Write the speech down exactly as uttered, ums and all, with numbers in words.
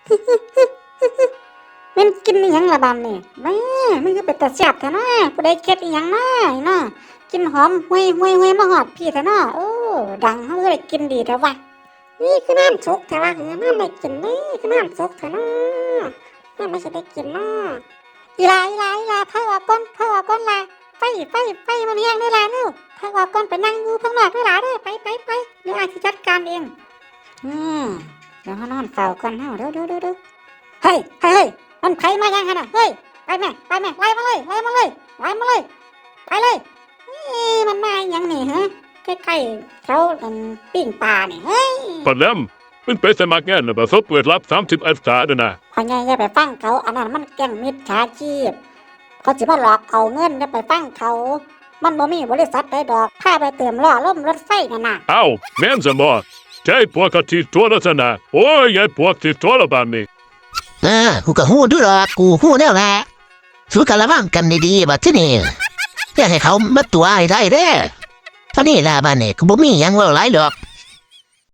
มันกินอีหยังละบานนี่แม่มันก็เป็นตาแซ่บแท้นะผู้ใดเค็ดอีหยังนะเนาะกินหอมห่วยห่วยห่วยมาฮอดพี่แท้เนาะโอ้ดังเฮาก็ได้กินดีแท้วะนี่คือน้ำสุกแท้วะเออน้ำได้กินนี่คือน้ำสุกแท้เนาะน้ำไม่ใช่ได้กินเนาะอีลาอีลาอีลาพาออกก่อนพาออกก่อนล่ะไปไปไปมาเลี้ยงเด้อล่ะเด้อพาออกก่อนไปนั่งอยู่ข้างนอกเด้อล่ะเด้อไปไปไปเดี๋ยวอาสิจัดการเองอืมเดี๋ยวเฮานอนเฝ้าก่อนเฮาเด้อเด้อเด้อเด้อเฮ้ยเฮ้ยมันไผมายังหั่นน่ะเฮ้ยไปแม่ไปแม่ไล่มาเลยไล่มาเลยไล่มาเลยไปเลยนี่มันมาอีหยังนี่ฮะใกล้ๆเขาอันปิ้งปลานี่เฮ้ยปะแลมมันไปสมัครงานน่ะบ่สอบเปิดรับสามสิบองศาเด้อนะพ่อใหญ่อย่าไปฟังเขาอันนั้นมันแก๊งมิจฉาชีพเขาสิมาหลอกเอาเงินอย่าไปฟังเขามันบ่มีบริษัทใดดอกพาไปเติมล้อล่มรถไฟนั่นน่ะเอ้าแม่นซะบ่ใช่พวกเขาที่ตัวละซะนะโอ้ยไอ้พวกที่ตัวละบานนี้เออกูก็ฮู้ด้วยหรอกกูฮู้แนวแหละสู้กันระวังกันดีๆบัดที่นี่อย่าให้เขามาตัวไอ้ได้เด้อเท่านี้ล่ะบ้านนี้กูบ่มีหยังเว้าหลายดอก